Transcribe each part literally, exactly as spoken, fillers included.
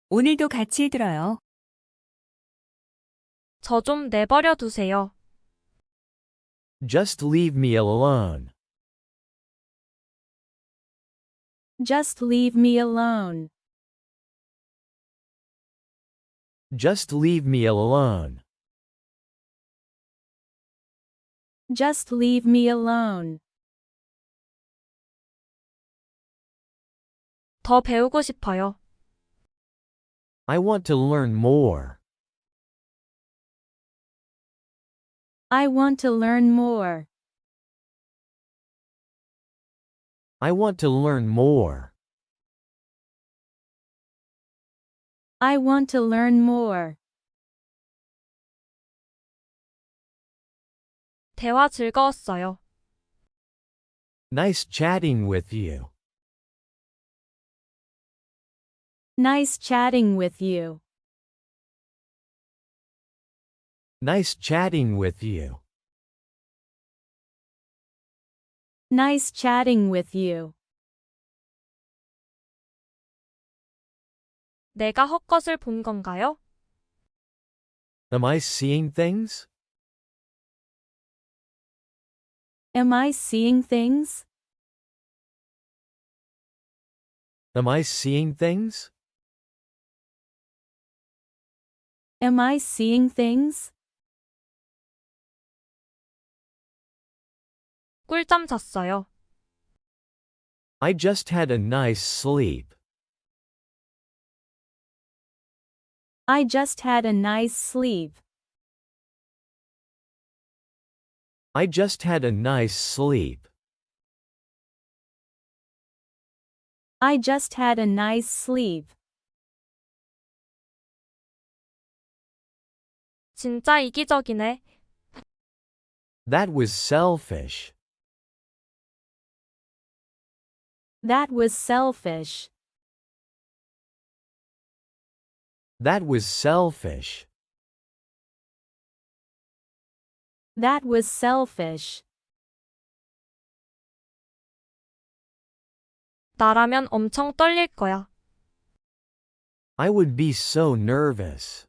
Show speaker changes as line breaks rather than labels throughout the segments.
오늘도 같이 들어요.
저 좀 내버려 두세요.
Just leave me alone.
Just leave me alone.
Just leave me alone.
Just leave me alone.
더 배우고 싶어요.
I want to learn more.
I want to learn more.
I want to learn more.
I want to learn more.
대화 즐거웠어요.
Nice chatting with you.
Nice chatting with you.
Nice chatting with you.
Nice chatting with you.
내가 헛것을 본 건가요?
Am I seeing things?
Am I seeing things?
Am I seeing things?
Am I seeing things?
꿀잠 잤어요.
I just had a nice sleep.
I just had a nice sleep.
I just had a nice sleep.
I just had a nice sleep.
진짜 이기적이네.
That was selfish.
That was selfish.
That was selfish.
That was selfish.
나라면 엄청 떨릴 거야.
I would be so nervous.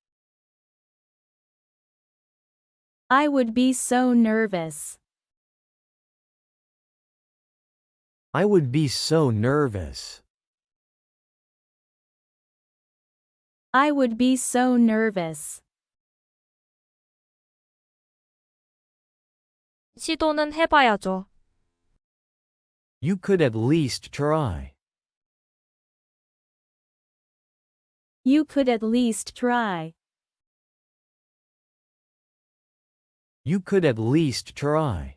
I would be so nervous.
I would be so nervous.
I would be so nervous.
시도는 해봐야죠.
You could at least try.
You could at least try.
You could at least try.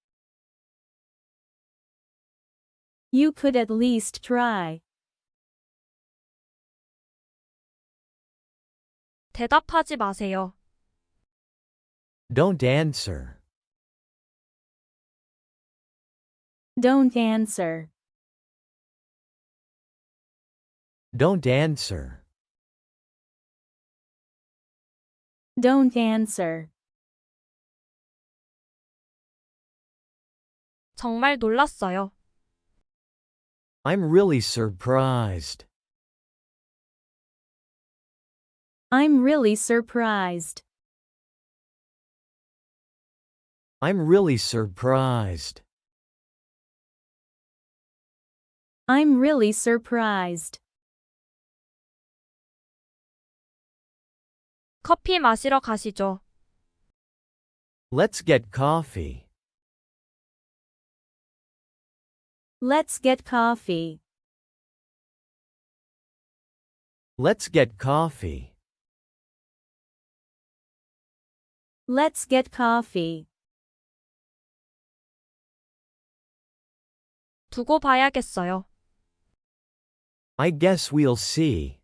You could at least try.
대답하지 마세요.
Don't answer.
Don't answer.
Don't answer.
Don't answer.
정말 놀랐어요.
I'm really surprised.
I'm really surprised.
I'm really surprised.
I'm really surprised.
커피 마시러 가시죠.
Let's get coffee.
Let's get coffee.
Let's get coffee.
Let's get coffee.
두고 봐야겠어요.
I guess we'll see.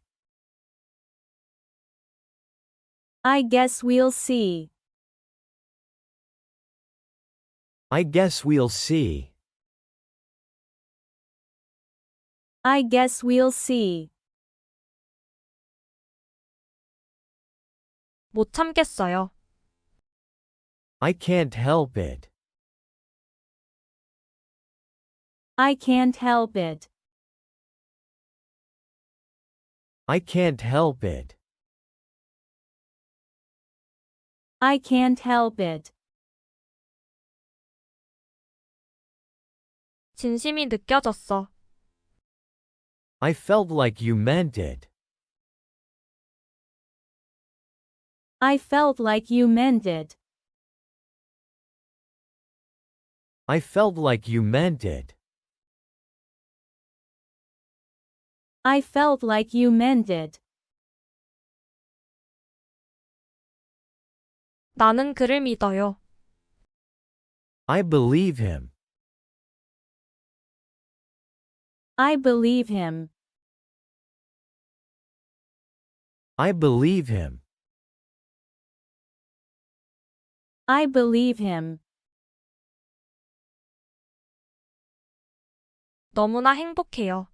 I guess we'll see.
I guess we'll see.
I guess we'll see.
못 참겠어요.
I can't help it.
I can't help it.
I can't help it.
I can't help it.
진심이 느껴졌어.
I felt like you meant it.
I felt like you meant it.
I felt like you meant it.
I felt like you meant it.
나는 그를 믿어요.
I believe him.
I believe him.
I believe him.
I believe him.
너무나 행복해요.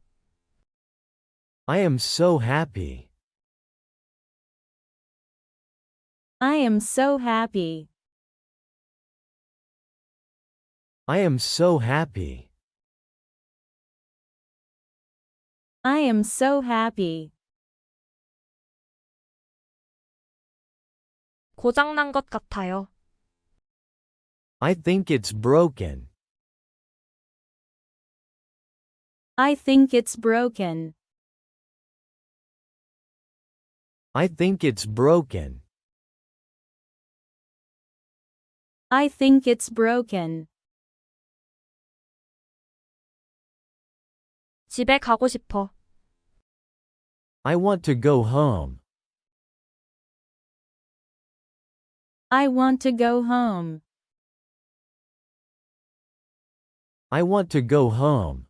I am so happy.
I am so happy.
I am so happy.
I am so happy.
고장난 것 같아요.
I think it's broken.
I think it's broken.
I think it's broken.
I think it's broken.
집에 가고 싶어.
I want to go home.
I want to go home.
I want to go home.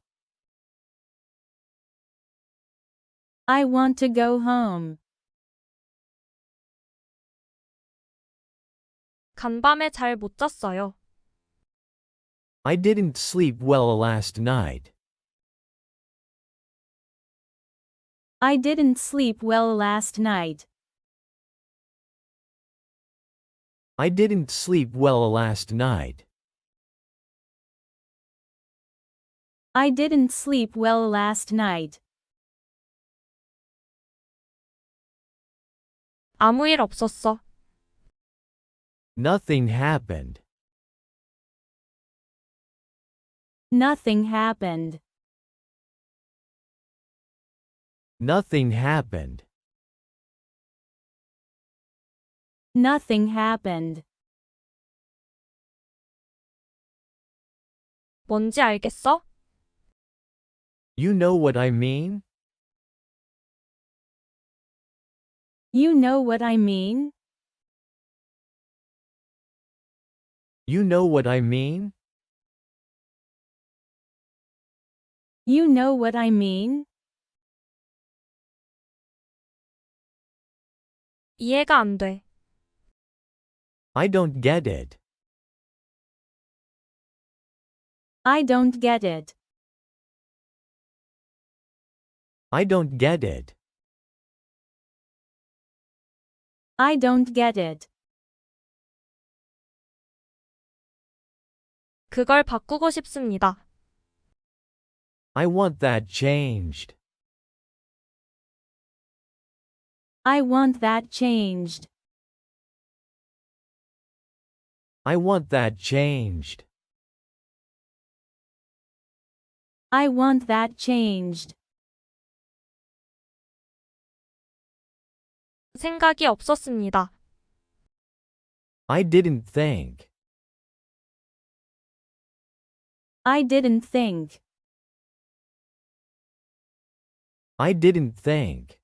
I want to go home.
간밤에 잘 못 잤어요.
I didn't sleep well last night.
I didn't sleep well last night.
I didn't sleep well last night.
I didn't sleep well last night.
아무 일 없었어.
Nothing happened.
Nothing happened.
Nothing happened.
Nothing happened.
뭔지 알겠어?
You know what I mean?
You know what I mean?
You know what I mean?
You know what I mean?
이해가 안 돼.
I don't get it.
I don't get it.
I don't get it.
I don't get it.
그걸 바꾸고 싶습니다.
I want that changed.
I want that changed.
I want that changed.
I want that changed.
생각이 없었습니다.
I didn't think.
I didn't think.
I didn't think.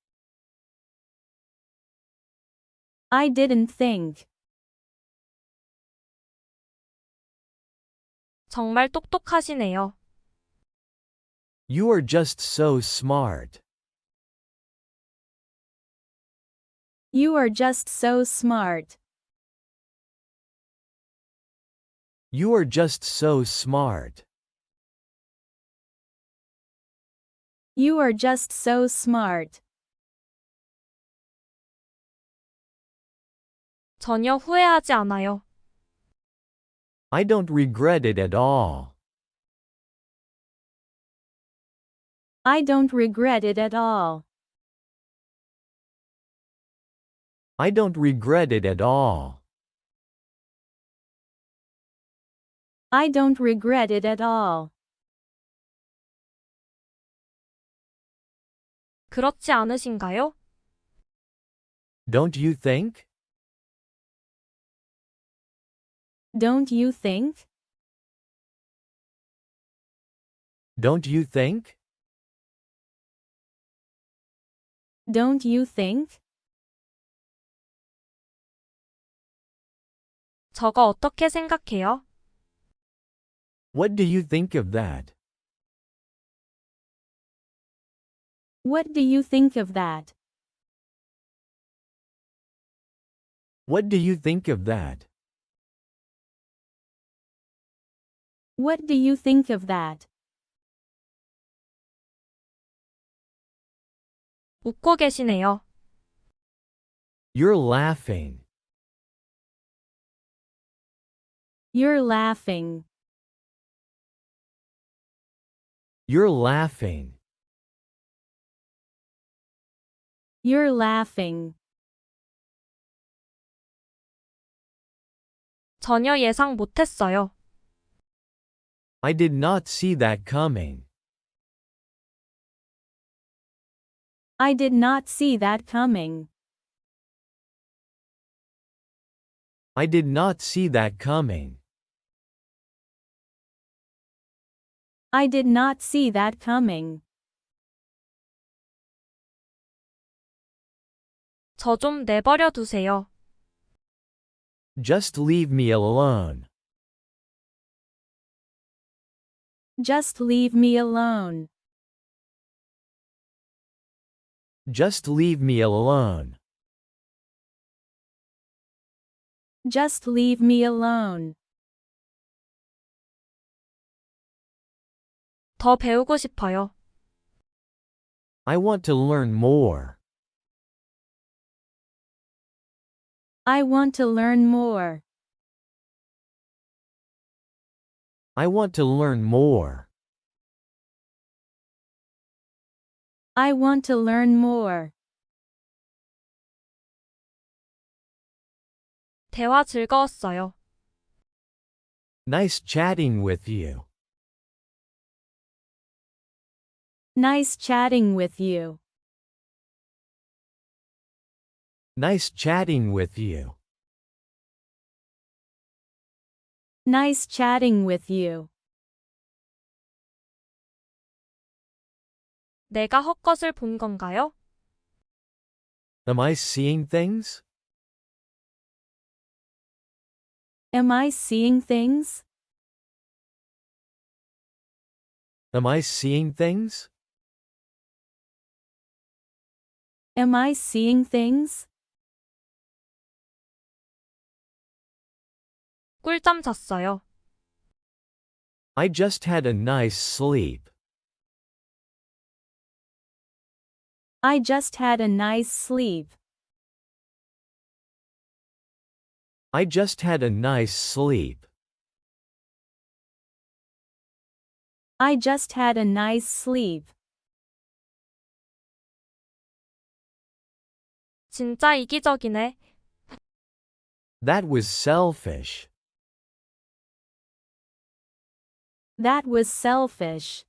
I didn't think.
정말 똑똑하시네요.
You are just so smart.
You are just so smart.
You are just so smart.
You are just so smart.
전혀 후회하지 않아요.
I don't regret it at all.
I don't regret it at all.
I don't regret it at all.
I don't regret it at all.
그렇지 않으신가요?
Don't you think?
Don't you think?
Don't you think?
Don't you think?
저거 어떻게 생각해요?
What do you think of that?
What do you think of that?
What do you think of that?
What do you think of that?
웃고 계시네요.
You're laughing.
You're laughing.
You're laughing.
You're laughing.
전혀 예상 못했어요.
I did not see that coming.
I did not see that coming.
I did not see that coming.
I did not see that coming.
저 좀 내버려 두세요.
Just leave me alone.
Just leave me alone.
Just leave me alone.
Just leave me alone.
더 배우고 싶어요.
I want to learn more.
I want to learn more.
I want to learn more.
I want to learn more.
대화 즐거웠어요.
Nice chatting with you.
Nice chatting with you.
Nice chatting with you.
Nice chatting with you.
내가 헛것을 본 건가요?
Am I seeing things?
Am I seeing things?
Am I seeing things?
Am I seeing things?
꿀잠 잤어요.
I just had a nice sleep.
I just had a nice sleep.
I just had a nice sleep.
I just had a nice sleep.
진짜 이기적이네.
That was selfish.
That was selfish.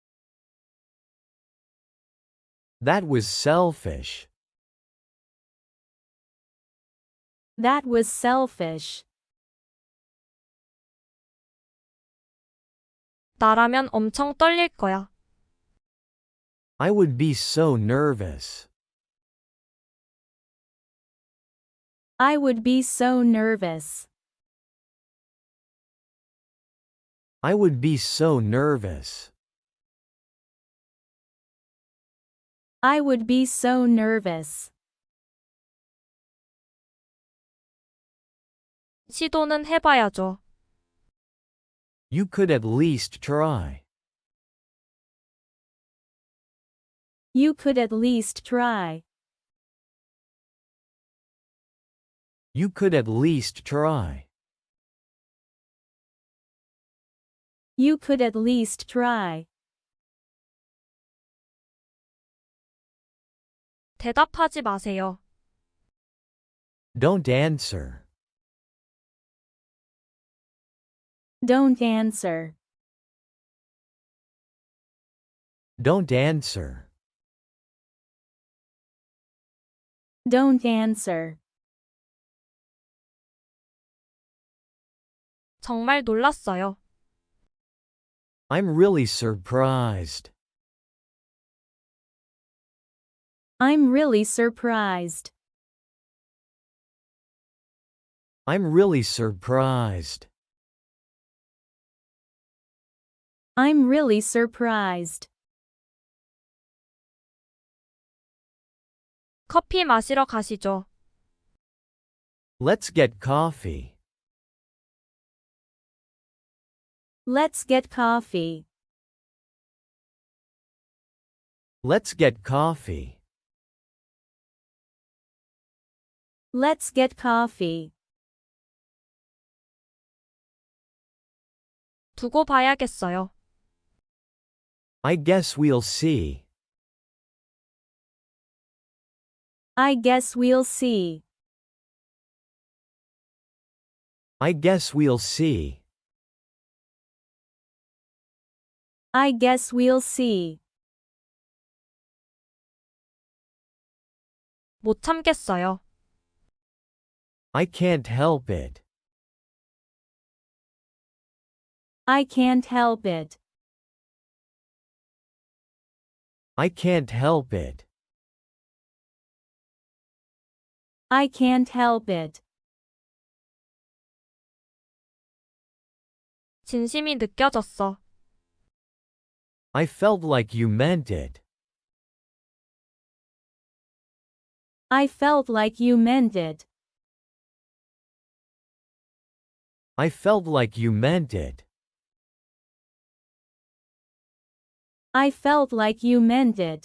That was selfish.
That was selfish.
나라면 엄청 떨릴 거야.
I would be so nervous.
I would be so nervous.
I would be so nervous.
I would be so nervous.
시도는 해봐야죠.
You could at least try.
You could at least try.
You could at least try.
You could at least try.
대답하지 마세요.
Don't answer.
Don't answer.
Don't answer.
Don't answer.
정말 놀랐어요.
I'm really surprised.
I'm really surprised.
I'm really surprised.
I'm really surprised.
커피 마시러 가시죠.
Let's get coffee.
Let's get coffee.
Let's get coffee.
Let's get coffee.
두고 봐야겠어요.
I guess we'll see.
I guess we'll see.
I guess we'll see.
I guess we'll see.
못 참겠어요.
I can't help it.
I can't help it.
I can't help it.
I can't help it.
진심이 느껴졌어.
I felt like you meant it.
I felt like you meant it.
I felt like you meant it.
I felt like you meant it.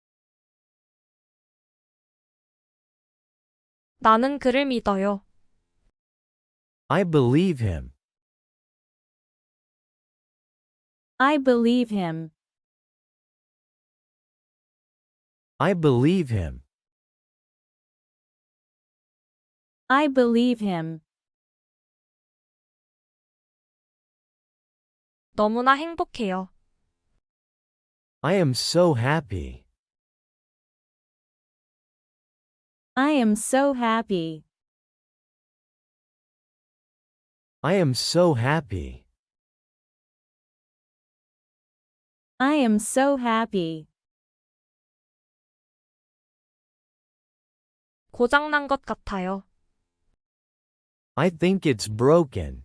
나는 그를 믿어요.
I believe him.
I believe him.
I believe him.
I believe him.
너무나 행복해요.
I am so happy.
I am so happy.
I am so happy.
I am so happy.
고장난 것 같아요.
I think it's broken.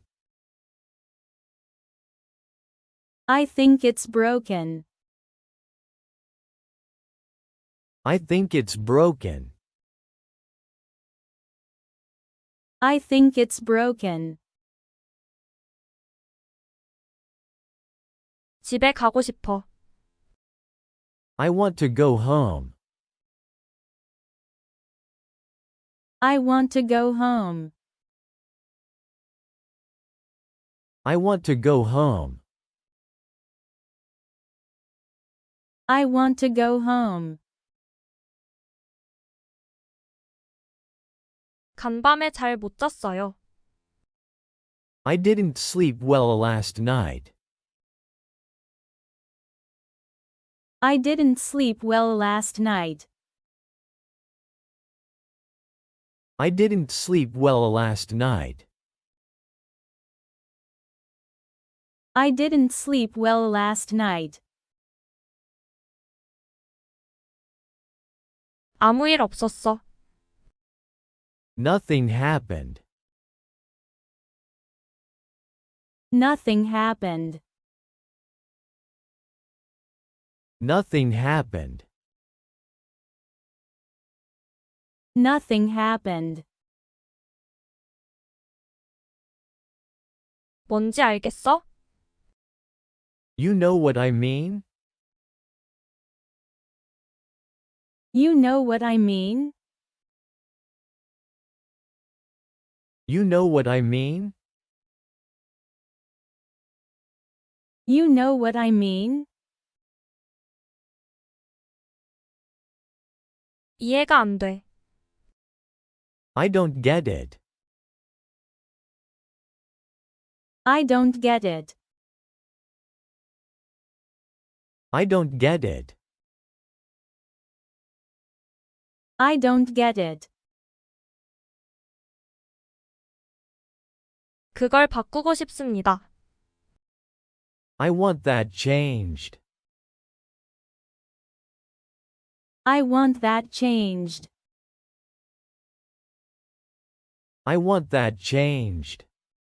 I think it's broken.
I think it's broken.
I think it's broken.
집에 가고 싶어.
I want to go home.
I want to go home.
I want to go home.
I want to go home.
간밤에 잘 못 잤어요.
I didn't sleep well last night.
I didn't sleep well last night.
I didn't sleep well last night.
I didn't sleep well last night.
아무 일 없었어.
Nothing happened.
Nothing happened.
Nothing happened.
Nothing happened.
뭔지 알겠어?
You know what I mean?
You know what I mean?
You know what I mean?
You know what I mean?
이해가 안 돼.
I don't get it.
I don't get it.
I don't get it.
I don't get it.
그걸 바꾸고 싶습니다.
I want that changed.
I want that changed.
I want that changed.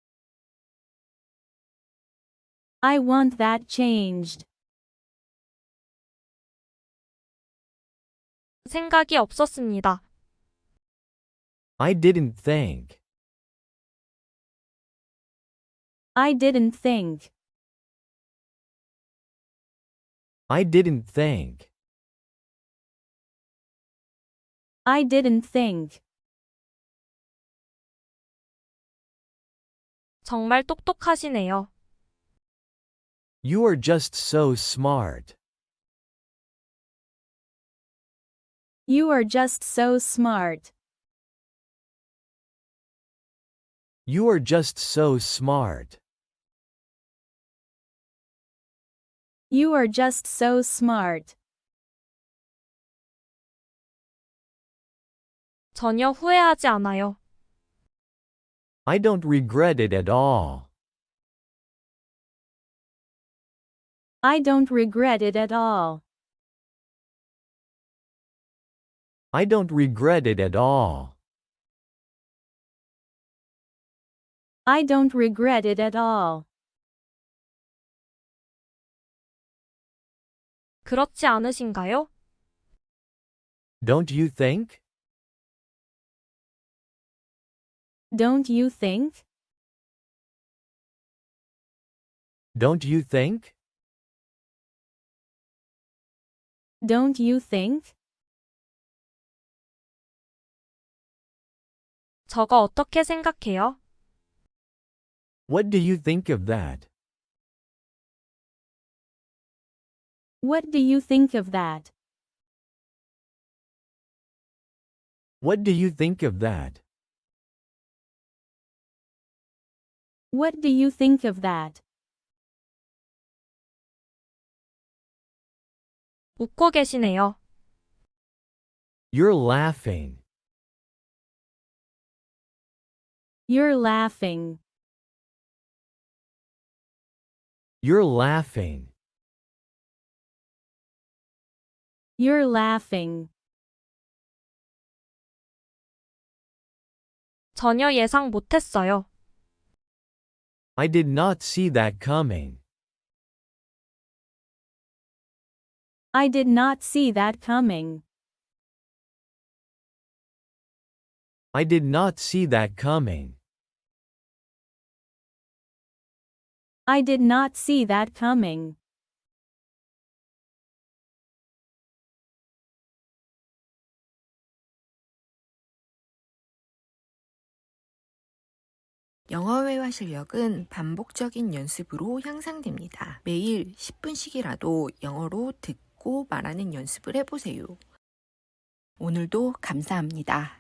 I want that changed.
생각이 없었습니다.
I didn't think.
I didn't think.
I didn't think.
I didn't think.
정말 똑똑하시네요.
You are just so smart.
You are just so smart.
You are just so smart.
You are just so smart.
전혀 후회하지 않아요.
I don't regret it at all.
I don't regret it at all.
I don't regret it at all.
I don't regret it at all.
그렇지 않으신가요?
Don't you think?
Don't you think?
Don't you think?
Don't you think?
저거 어떻게 생각해요?
What do you think of that?
What do you think of that?
What do you think of that?
What do you think of that?
웃고 계시네요.
You're laughing.
You're laughing.
You're laughing.
You're laughing.
전혀 예상 못했어요.
I did not see that coming.
I did not see that coming.
I did not see that coming.
I did not see that coming.
영어 회화 실력은 반복적인 연습으로 향상됩니다. 매일 십 분씩이라도 영어로 듣고 말하는 연습을 해보세요. 오늘도 감사합니다.